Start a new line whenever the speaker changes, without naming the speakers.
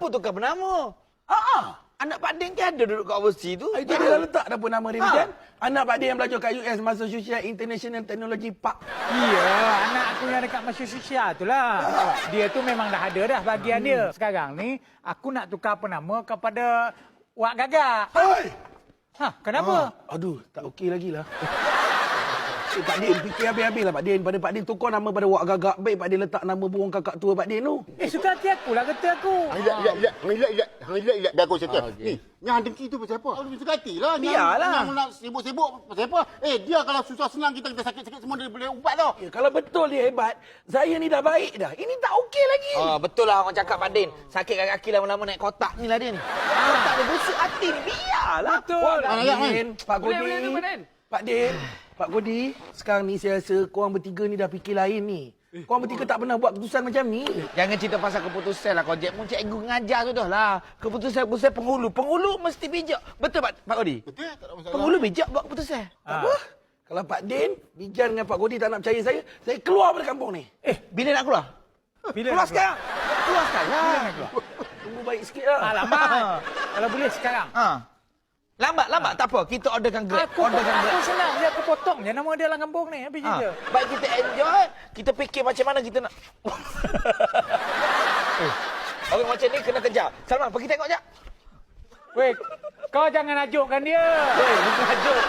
Apa tukar penama? Anak Pak Din kan ada duduk kat overseas tu.
Itu dia letak dah pun nama dia macam. Anak Pak Din yang belajar kat US, Massachusetts International Technology Park.
Iya, anak aku yang dekat Massachusetts tu lah. Dia tu memang dah ada dah bahagian dia. Sekarang ni, aku nak tukar penama kepada Wak Gagak.
Hai!
Kenapa?
Aduh, tak okey lagi lah. Pak Din, fikir habis-habis lah Pak Din. Pada Pak Din tukar nama pada Wak Gagak. Baik Pak Din letak nama burung kakak tua Pak Din tu.
Suka hati aku lah kata aku.
Relax. Biar aku settle. Ni, yang dengki tu pasal apa? Aku suka hati lah.
Biarlah.
Yang nak sibuk-sibuk pasal apa? Dia kalau susah senang kita sakit-sakit semua dia boleh ubat tau.
Ya, kalau betul dia hebat, saya ni dah baik dah. Ini tak okey lagi.
Betul lah orang cakap Pak Din. Sakit kaki lama-lama naik kotak ni lah dia ni. Kotak dia busuk hati ni. Biarlah.
Betul.
Pak Din, Pak Godi.
Pak Din.
Pak Godi, sekarang ni saya rasa korang bertiga ni dah fikir lain ni. Korang bertiga tak pernah buat keputusan macam ni.
Jangan cerita pasal keputusan lah kau, Jack. Mu cikgu ngajar tu dah lah. Keputusan penghulu. Penghulu mesti bijak. Betul Pak Godi?
Betul, tak ada masalah.
Penghulu bijak buat keputusan.
Apa? Kalau Pak Din, Bijan dengan Pak Godi tak nak percaya saya keluar dari kampung ni.
Bila nak keluar? Keluar sekarang. Keluar sekarang.
Tunggu baik sikit lah.
Alamak. Kalau boleh sekarang.
Lambat. Tak apa. Kita orderkan Grab.
Aku senang je, aku potong je nama dia dalam kampung ni. Habis je.
Baik kita enjoy. Kita fikir macam mana kita nak... Orang macam ni kena kejar. Salman, pergi tengok je.
Weh, kau jangan ajukkan dia.
Bukan ajuk.